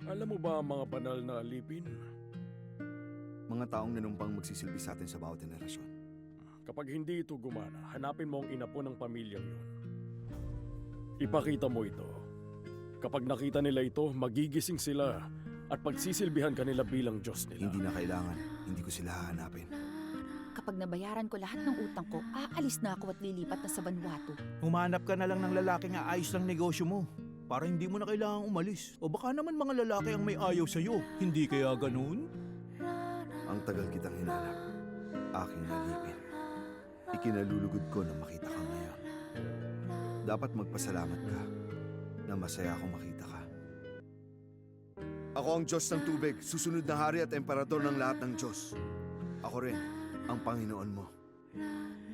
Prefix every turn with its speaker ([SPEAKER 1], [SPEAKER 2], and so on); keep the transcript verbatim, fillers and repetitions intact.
[SPEAKER 1] Alam mo ba ang mga banal na alipin?
[SPEAKER 2] Mga taong nanumpang magsisilbi sa atin sa bawat henerasyon.
[SPEAKER 1] Kapag hindi ito gumana, hanapin mo ang inapo ng pamilyang yun. Ipakita mo ito. Kapag nakita nila ito, magigising sila at pagsisilbihan kanila bilang Diyos nila.
[SPEAKER 2] Hindi na kailangan. Hindi ko sila hahanapin.
[SPEAKER 3] Kapag nabayaran ko lahat ng utang ko, aalis na ako at lilipat na sa Vanuatu.
[SPEAKER 4] Humanap ka na lang ng lalaking aayos ng negosyo mo para hindi mo na kailangang umalis. O baka naman mga lalaki ang may ayaw sa'yo. Hindi kaya ganun?
[SPEAKER 2] Ang tagal kitang hinanap. Aking alipin. Ikinalulugod ko na makita ka ngayon. Dapat magpasalamat ka na masaya akong makita ka. Ako ang Diyos ng tubig, susunod na hari at emperador ng lahat ng Diyos. Ako rin ang Panginoon mo.